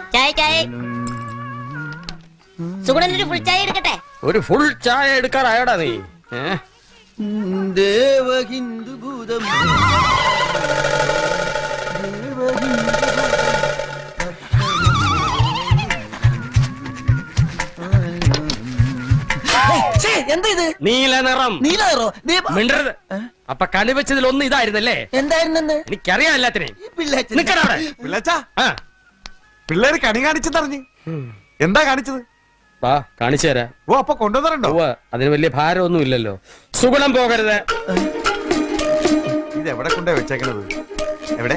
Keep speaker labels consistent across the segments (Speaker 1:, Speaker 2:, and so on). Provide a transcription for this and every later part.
Speaker 1: ചായ സുഗുണനൊരു ഫുൾ ചായ എടുക്കട്ടെ?
Speaker 2: ഒരു ഫുൾ ചായ എടുക്കാറായോടാ നീ?
Speaker 3: ദേവഹിന്ദു ഭൂതം എന്താ ഇത്?
Speaker 2: നീല നിറം.
Speaker 3: നീലോ
Speaker 2: മിണ്ടരുത്. അപ്പൊ കണിവെച്ചതിൽ ഒന്ന് ഇതായിരുന്നല്ലേ?
Speaker 3: എന്തായിരുന്നു?
Speaker 2: എനിക്കറിയാം എല്ലാത്തിനെയും.
Speaker 4: പിള്ളേര് കണി കാണിച്ചെന്നറിഞ്ഞ് എന്താ കാണിച്ചത്?
Speaker 2: വാ കാണിച്ചു തരാം.
Speaker 4: ഓ അപ്പൊ കൊണ്ടുവന്നിട്ടുണ്ടോ?
Speaker 2: അതിന് വലിയ ഭാരമൊന്നും ഇല്ലല്ലോ. സുഗുണം പോകരുത്.
Speaker 4: ഇത് എവിടെ കൊണ്ടേ വെച്ചേക്കണത്? എവിടെ?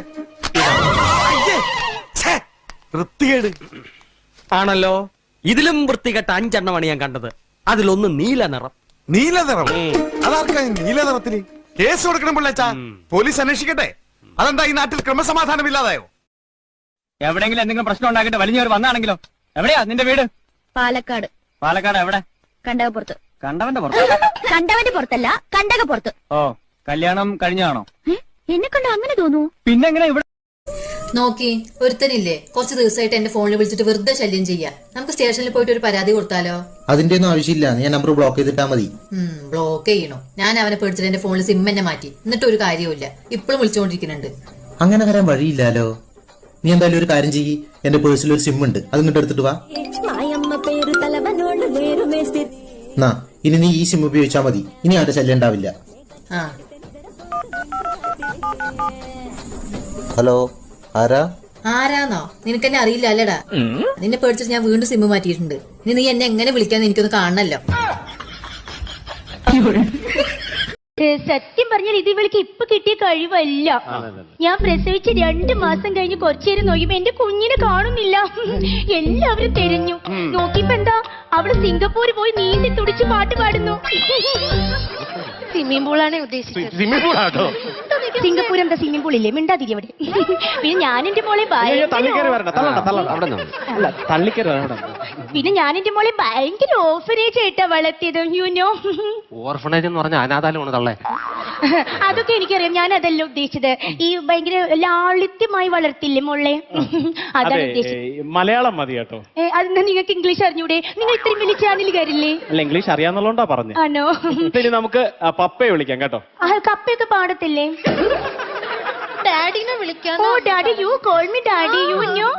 Speaker 4: വൃത്തികേട്
Speaker 2: ആണല്ലോ. ഇതിലും വൃത്തികെട്ട 5 എണ്ണമാണ് ഞാൻ കണ്ടത്. അതിലൊന്ന് നീല നിറം.
Speaker 4: നീല നിറം? അതാർക്കാ നീല നിറത്തില്? കേസ് കൊടുക്കണം പിള്ളേച്ചാ. പോലീസ് അന്വേഷിക്കട്ടെ. അതെന്താ ഈ നാട്ടിൽ ക്രമസമാധാനം ഇല്ലാതായോ?
Speaker 5: എവിടെങ്കിലും എന്തെങ്കിലും പ്രശ്നം ഉണ്ടാക്കിട്ട് വലിഞ്ഞവർ വന്നാണെങ്കിലോ? എവിടെയാ നിന്റെ വീട്?
Speaker 1: പാലക്കാട്.
Speaker 5: പാലക്കാട് എവിടെ?
Speaker 1: കണ്ടകപ്പുറത്ത്.
Speaker 5: കണ്ടവന്റെ പുറത്ത്?
Speaker 1: കണ്ടവന്റെ പുറത്തല്ല, കണ്ടകപ്പുറത്ത്.
Speaker 5: ഓ, കല്യാണം കഴിഞ്ഞാണോ?
Speaker 1: എന്നെ കണ്ട അങ്ങനെ തോന്നുന്നു.
Speaker 5: പിന്നെ എങ്ങനെ ഇവിടെ
Speaker 6: നോക്കി ഒരുത്തനില്ലേ കുറച്ച് ദിവസമായിട്ട് എന്റെ ഫോണിൽ വിളിച്ചിട്ട് വെറുതെ ശല്യം ചെയ്യാ. നമുക്ക് സ്റ്റേഷനിൽ പോയിട്ട് ഒരു പരാതി കൊടുത്താലോ?
Speaker 7: അതിന്റെ ഒന്നും ആവശ്യമില്ല. ഞാൻ നമ്പർ ബ്ലോക്ക് ചെയ്തിട്ടാ മതി.
Speaker 6: ബ്ലോക്ക് ചെയ്യണോ? ഞാൻ അവനെ പേടിച്ചിട്ട് എന്റെ ഫോണിൽ സിം തന്നെ മാറ്റി. എന്നിട്ട് ഒരു കാര്യവുമില്ല. ഇപ്പോഴും വിളിച്ചുകൊണ്ടിരിക്കുന്നുണ്ട്.
Speaker 7: അങ്ങനെ വരാൻ വഴിയില്ലാലോ. നീ എന്തായാലും ഒരു കാര്യം ചെയ്യ്. എന്റെ പേഴ്സിൽ ഒരു സിം ഉണ്ട്, അത് ഇങ്ങോട്ട് എടുത്തിട്ട് വാ. നാ ഇനി നീ ഈ സിം ഉപയോഗിച്ചാ മതി. ഇനി ആരുടെ ശല്യം ഉണ്ടാവില്ല. ഹലോ, ആരാ?
Speaker 6: ആരാന്നോ? നിനക്കെന്നെ അറിയില്ല അല്ലടാ. നിന്നെ പേടിച്ചിട്ട് ഞാൻ വീണ്ടും സിം മാറ്റിയിട്ടുണ്ട്. ഇനി നീ എന്നെ എങ്ങനെ വിളിക്കാന്ന് എനിക്കൊന്ന് കാണണല്ലോ.
Speaker 1: സത്യം പറഞ്ഞാൽ ഇത് ഇവൾക്ക് ഇപ്പൊ കിട്ടിയ കഴിവല്ല. ഞാൻ പ്രസവിച്ച് 2 മാസം കഴിഞ്ഞ് കുറച്ചേരം നോക്കിയപ്പോ എന്റെ കുഞ്ഞിനെ കാണുന്നില്ല. എല്ലാവരും തിരഞ്ഞു നോക്കിയപ്പോ എന്താ അവള് സിംഗപ്പൂര് പോയി നീന്തി തുടിച്ച് പാട്ട് പാടുന്നു. സ്വിമ്മിംഗ് പൂളാണ് ഉദ്ദേശിച്ചത്. സിംഗപ്പൂർ എന്താ സ്വിമ്മിംഗ് പൂൾ ഇല്ലേ? മിണ്ടാതിരി അവിടെ. പിന്നെ ഞാൻ എന്റെ മോളെ ഭയങ്കര ഓർഫനേജ് ആയിട്ടാ വളർത്തിയത്. യുനോ,
Speaker 2: ഓർഫനേജ് എന്ന് പറഞ്ഞ അനാഥാലമാണ് തള്ളേ.
Speaker 1: അതൊക്കെ എനിക്കറിയാം. ഞാൻ അതല്ല ഉദ്ദേശിച്ചത്. ഈ ഭയങ്കര ലാളിത്യമായി വളർത്തില്ലേ മോളെ, അതാണ് ഉദ്ദേശിച്ചത്.
Speaker 5: മലയാളം മതി കേട്ടോ.
Speaker 1: അതെന്താ നിങ്ങൾക്ക് ഇംഗ്ലീഷ് അറിഞ്ഞൂടെ? നിങ്ങൾ ഇത്രയും വലിയ ചാനലുകാരില്ലേ?
Speaker 5: അല്ല, ഇംഗ്ലീഷ് അറിയാന്നുള്ളതുകൊണ്ടാ പറഞ്ഞു.
Speaker 1: ആണോ?
Speaker 5: നമുക്ക് പപ്പയെ വിളിക്കാം കേട്ടോ.
Speaker 1: കപ്പയൊക്കെ പാടത്തില്ലേ? ഡാഡിനെ വിളിക്കാം. Oh daddy, you call me daddy, you no.